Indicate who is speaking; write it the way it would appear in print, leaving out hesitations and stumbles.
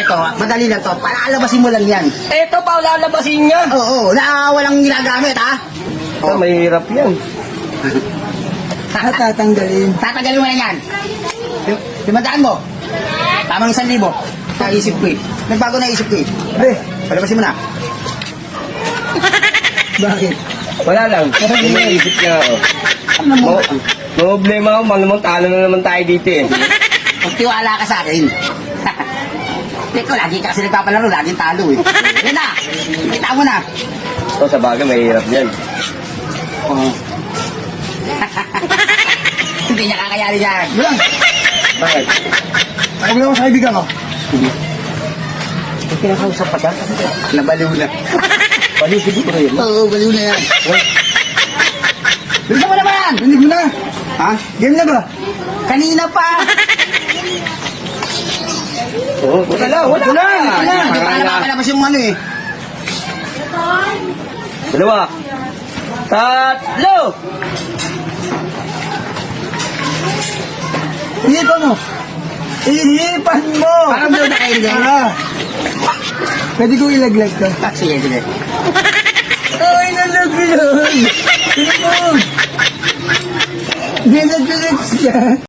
Speaker 1: to, madali lang to. Palalabasin mo lang yan.
Speaker 2: Ito pa, lalabasin niya.
Speaker 1: Oo, na walang ginagamit, ha?
Speaker 2: Oh. Mahirap yan.
Speaker 1: Tatanggalin. Tatanggalin mo na yan. Limandaan mo. Tamang 1,000. Naisip ko eh. Nagbago na isip ko eh. Pre, palabasin mo na. Bakit?
Speaker 2: Wala lang. Yung naisip niya ako.
Speaker 1: Ano mo?
Speaker 2: Problema ako, malamang talo na naman tayo dito eh.
Speaker 1: Magtiwala ka sa akin. Teko, lagi ka kasi nagpapalaro, laging talo eh. Yan na, kita mo na.
Speaker 2: So, sa bagay, mahirap yan.
Speaker 1: Oo. Hindi niya kakayari yan. Bulang,
Speaker 2: Bakit?
Speaker 1: ay mo sa kaibigan ko. Kinakausap pa siya? Nabaliw na.
Speaker 2: Baliw siguro yun.
Speaker 1: Oo, baliw na yan. Bilisan mo naman! Rinig mo na. Ha? Game na ba? Kanina pa.
Speaker 2: Oo, wala.
Speaker 1: Wala. Hindi pa nakapalabas yung ano eh.
Speaker 2: Dalawa. Tatlo!
Speaker 1: Ihipan mo. Ihipan mo. Parang blow na kayo din. Pwede ko ilaglag ka. Sige, sige. Ay, nalaglag. Nilaglag siya.